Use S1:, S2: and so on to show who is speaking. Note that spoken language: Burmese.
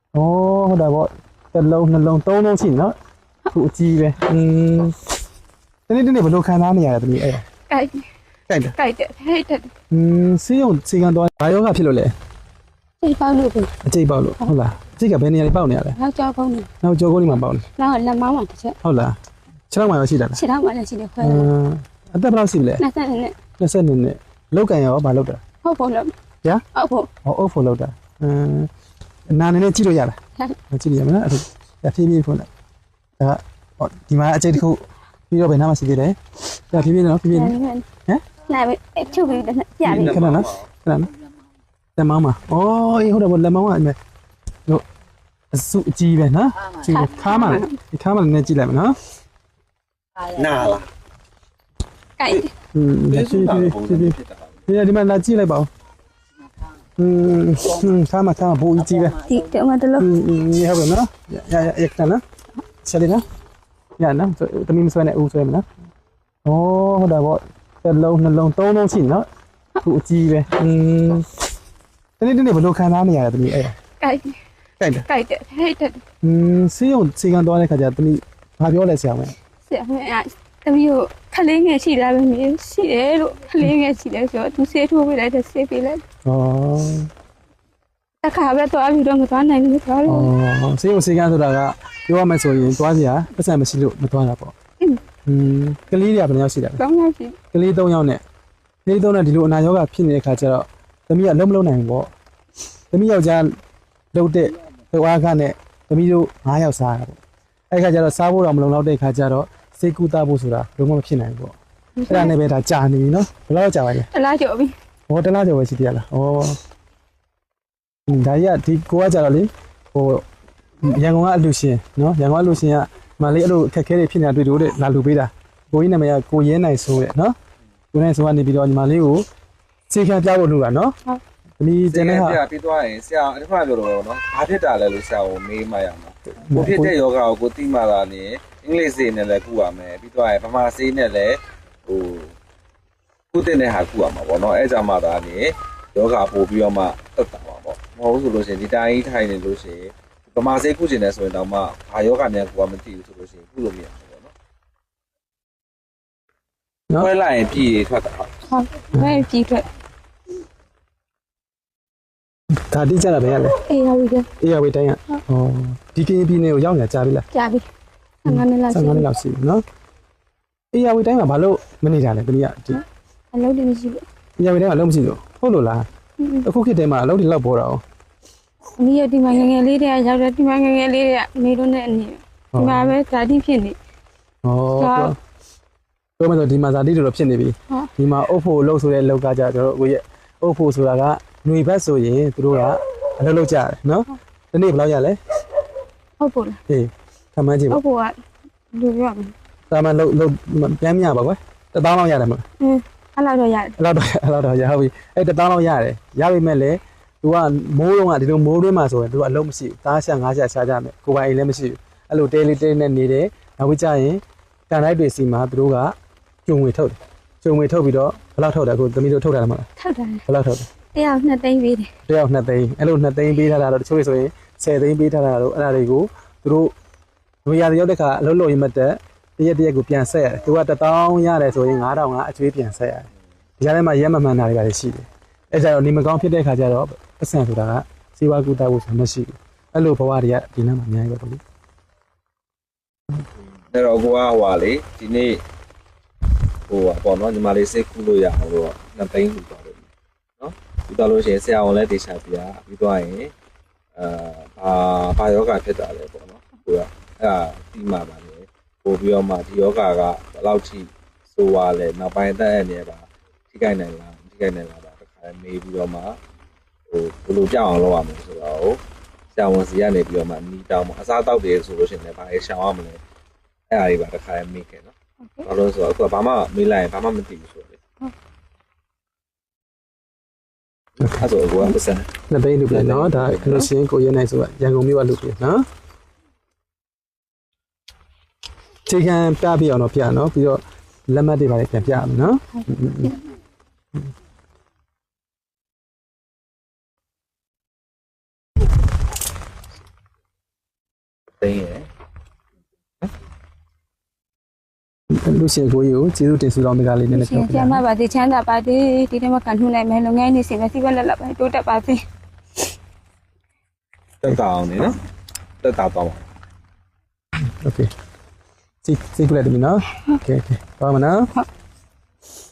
S1: ဟုတ်တယ်ပေါ့တစ်လုံးနှလုံးသုံးလုံးရှိနော်ခုအကြီးပဲတနေ့ဘယ်လိုခံစားနေရလဲသမီးအဲ့ကြိုက်တယ်ဟဲ့ဆေးရုံဆေးကန်တော့ဘာယောဂဖြစ်လို့လဲ
S2: စိတ်ပေါက်လို့ပဲ
S1: အကျိတ်ပေါက်လို့ဟုတ်လားအကျိတ်ကဘယ်နေရာလေးပေါက်နေရလဲ
S2: နောက်ကြောက်ကုန်းနေ
S1: နောက်ကြောကုန်းလေးမှာပေါက်နေ
S2: နောက်လက်မောင်းမှာတစ်ချက်
S1: ဟုတ်လားခြေထောက်မှာရောရှိတာလား
S2: ခြေထောက်မှာလည်းရှိတယ်ခွဲ
S1: အသက်ဘယ်လောက်ရှိလဲ
S2: 20နဲ့
S1: 20နှစ်လောက်ကန်ရောဘာလောက်တာ
S2: ဟုတ်ဖို့လို့
S1: ဗျာ
S2: ဟုတ်ဖို့
S1: အုပ်ဖို့လောက်တာနာနေနဲ့ကြည့်လို့ရလားကြည့်လို့ရမလားအဲ့ဒါဖြည်းဖြည်းဖွင့်လိုက်ဒါဟောဒီမှာအကျိတ်တစ်ခုပြီးတော့ဘယ်နားမှာရှိသေးလဲဒါဖြည်းဖြည်းနော်ဖြည်းဖြည်းဟမ်
S2: နိုင်ပဲချုပ်ပြီးပြပြီ
S1: ခဏနော်လက်မောင်းမှာအေးဟုတ်တယ်ဗောလက်မောင်းကအဲ့မဲ့တို့အစုအကြီးပဲနော်ကြည့်ခါမှာဒီခါမှာလည်းကြည့်လိုက်မယ်နော်
S3: နာလား
S2: ကြိုက်
S1: ဖြည်းဖြည်းဒီမှာလာကြည့်လိုက်ပါဦးခါမှာဘူကြီးပဲ
S2: ဒီတော့မတလို့
S1: ဟုတ်ပါနော်ရခဏနော်ဆက်လေးနော်ရနော်တမီးမဆွဲနဲ့ဦးဆွဲမယ်နော်ဟုတ်တယ်ဗောတစ်လုံးနှလုံးသုံးလုံးရှိနော်ခုအကြီးပဲတနေ့ဘယ်လိုခံစားနေရလဲတမီးအဲ့
S2: ကြိုက်တယ်
S1: ဆေးရုံဆေးကန်သွားတဲ့ခါကျတမီးဘာပြောလဲဆရာမ
S2: ဆရာမတမီးကိုခလေးငယ်ရှိလားပဲမြင်ရှိတယ်လို့ခလေးငယ်ရှိတယ်ဆိုတော့သူဆေးထိုးပေးလိုက်တယ်ဆေးပေးလိုက်တခါပဲသွားပြီးတော့မသွားနိုင်ဘူးသွားလို့
S1: ဆေးရုံဆေးကန်ဆိုတာကပြောရမယ်ဆိုရင်သွားစရာပတ်စံမရှိလို့မသွားတာပေါ့ကလေးတွေကဘယ်နှယောက်ရှိတာလဲ
S2: ကောင်းပါပြီ
S1: ကလေး3ယောက်နဲ့ကလေး3နဲ့ဒီလိုအနာရောဂါဖြစ်နေတဲ့ခါကျတော့သမီးကလုံးမလုံးနိုင်ဘူးပေါ့သမီးယောက်ျားလှုပ်တဲ့လှုပ်အားကနဲ့သမီးတို့9ယောက်စားတာပေါ့အဲ့ခါကျတော့စားဖို့တော့မလုံလောက်တဲ့ခါကျတော့စိတ်ကူးတာဖို့ဆိုတာလုံးဝမဖြစ်နိုင်ဘူးပေါ့အဲ့ဒါနဲ့ပဲဒါကြာနေပြီနော်ဘယ်လောက်ကြာပါလဲ
S2: တလားကြော်ပြီ
S1: တလားကျော်ပဲရှိသေးရလားဒါကြီးကဒီကိုကကြတော့လေရန်ကုန်ကအလူရှင်နော်ရန်ကုန်အလူရှင်ကမလေးအဲ့လိုအခက်ခဲတွေဖြစ်နေတာတွေ့လို့တဲ့လာလူပေးတာကိုကြီးနာမည်ကကိုရဲနိုင်ဆိုတဲ့နော်ကိုနိုင်ဆိုကနေပြီးတော့ညီမလေးကိုစေခံပြဖို့လုပ်တာနော်သမီးကျန်တဲ့ဟာ
S3: ပြပြီးသွားရင်ဆရာအဲ့ဒါပြောတော့နော်ဘာဖြစ်တာလဲလို့ဆရာကိုမေးမှရမှာကိုဖြစ်တဲ့ယောဂကိုကိုသိမှသာနေအင်္ဂလိပ်စေနဲ့လည်းကုရမယ်ပြီးသွားရင်ဗမာစေနဲ့လည်းကုတဲ့ဟာကုရမှာပေါ့နော်အဲ့ကြမှာသာနေယောဂပို့ပြီးတော့မှတက်တာပါပေါ့မဟုတ်ဆိုလို့ရှိရင်ဒီတိုင်းထိုင်နေလို့ရှိရင်ဗမာစေကုကျင်နေဆိုရင်တော့မှဘာယောဂများကုရမသိဘူးဆိုလို့ရှိရင်ကုလို့မရဘူးပေါ့နော်ခွဲလိုက်ရင်ပြည်ရထွက်တာဟုတ်
S2: ဘယ်ကြည့်ထွက်
S1: ဒါတိကျတာပဲရလဲ
S2: အေးရပြီ
S1: အေးရဝေးတိုင်းကဒီကင်းပြည်နယ်ကိုရောက်နေကြပြီလား
S2: ကြာပြီ15နှစ်လောက်ရှိ
S1: 15နှစ်လောက်ရှိပြီနော်အေးရဝေးတိုင်းမှာဘာလို့မနေတာလဲတမီးကဒီ
S2: အလုပ်တွေမရှိဘူး
S1: အေးရဝေးတိုင်းမှာလုံးမရှိလို့ဟုတ်လို့လားအခုခေတ်တည်းမှာအလုပ်တွေလောက်ပေါ်တာ哦
S2: ဒီရဒီမှာငငယ်လေးတွေကရောက်တယ်ဒီမှာငငယ်လေးတွေကနေတော့နဲ့အနေဒီမှာပဲဓာတိဖြစ်နေ
S1: ပြောမယ်ဆိုဒီမှာဇာတိတော်ဖြစ်နေပြီဒီမှာအုပ်ဖို့လှုပ်ဆိုတဲ့လောက်ကကြတော့ကိုရဲ့အုပ်ဖို့ဆိုတာကຫນွေဘက်ဆိုရင်သူတို့ကအလုပ်လုပ်ကြတယ်နော်ဒီနေ့ဘယ်လောက်ရလဲ
S2: ဟုတ်ပို့လား
S1: ဟေးခမန်းကြည့်
S2: ဟု
S1: ပါ
S2: တ်ပို့ကလူပြောမယ်
S1: ဒါမှလုပ်ပြန်မြပါကွယ်1000လောက်ရတယ်မလား
S2: အဲ့လောက်တော့ရတယ်
S1: အဲ့လောက်တော့ရဟုတ်ပြီအဲ့1000လောက်ရတယ်ရပြီမဲ့လေသူကမိုးလုံးကဒီလိုမိုးတွင်းမှာဆိုရင်သူကအလုပ်မရှိဘူးသားရှာငါးရှာရှာကြမယ်ကိုပိုင်အိမ်လည်းမရှိဘူးအဲ့လိုတဲလေးတဲနဲ့နေတယ်နောက်ပြီးကြရင်ကန်လိုက်တွေစီမှာသူတို့ကကျုံငွေထုတ်တယ်ကျုံငွေထုတ်ပြီးတော့ဘယ်လောက်ထုတ်တယ်အခုသမီးတို့ထုတ်တာလားမလား
S2: ထောက်တယ်
S1: ဘယ်လောက်ထုတ်တယ်
S2: တရား2သိန်းပေးတယ်
S1: တယောက်2သိန်းအဲ့လို2သိန်းပေးထားတာတော့တချို့ဆိုရင်10သိန်းပေးထားတာတော့အဲ့ဒါတွေကိုသူတို့လူရရောက်တဲ့ခါအလုပ်လုပ်ရင်မတက်တရက်ကိုပြန်ဆက်ရတယ်သူက1000ရတယ်ဆိုရင်9000ကအကျွေးပြန်ဆက်ရတယ်ဒီကြားထဲမှာရက်မမှန်တာတွေပါရှိတယ်အဲ့ကြတော့နေမကောင်းဖြစ်တဲ့ခါကျတော့ပတ်စံဆိုတာကစေဝါကူတာဖို့ဆိုမရှိဘူးအဲ့လိုဘဝတွေကဒီနားမှာအများကြီးပဲပေါ့လေ
S3: အဲ့တော့ကိုကဟွာလေဒီနေ့ပေါ့နော်ညီမလေးစိတ်ကူးလို့ရအောင်လို့2သိန်းယူသွားတယ်နော်ယူသွားလို့ရှိရင်ဆရာဝန်လည်းတေချာပြပြီးသွားရင်ဘာယောဂဖြစ်တာလဲပေါ့နော်ကိုကအဲ့ဒါဒီမှာပါလေပို့ပြီးတော့မှဒီယောဂကဘယ်လောက်ထိဆိုးသွားလဲနောက်ပိုင်းတက်ရနေပါထိခိုက်နိုင်လားမထိခိုက်နိုင်လားတခါမေးပြီးတော့မှဘယ်လိုကြောက်အောင်လုပ်ရမလဲဆိုတော့ဆရာဝန်စီကနေပြီးတော့မှနီးတောင်းမှအစားတောက်တယ်ဆိုလို့ရှိရင်လည်းဘာလဲရှောင်ရမလဲအဲ့အရာတွေပါတခါမေးခဲ့နော်ဘာလို့ဆိုတော့အခုကဘာမှမေးလိုက်ရင်ဘာမှမသိဘူးဆိုတော့လေအဲ့ဆိုကိုကပတ်စံ
S1: 2သိန်းလူပြနော်ဒါအဲ့လိုရှင်းကိုရဲနိုင်ဆိုရန်ကုန်မြို့ကလူပြနော်ချိန်ခံပြပြအောင်တော့ပြနော်ပြီးတော့လက်မှတ်တွေပါပြန်ပြအောင်နော်
S3: သိန်းရယ်
S1: လူရှင်ကိုကြီးကိုကျေးဇူးတင်ဆုတောင်းတကားလေးနည်းနည်း
S2: ရှင်
S1: ပြောပြ
S2: ကျ
S1: ပါ
S2: မပါသေးချမ်းသာပါသေးဒီထဲမှာကန်ထုနိုင်မယ်လုပ်ငန်းနေစင်ပဲစီးပွားလက်လက်ပဲတိုးတက်ပါသေး
S3: တက်တာအောင်နေနော်တက်တာတော့ပါ
S1: โอเคစိတ်ကူလိုက်တယ်နော်โอเคပါမနော်
S2: ဟုတ်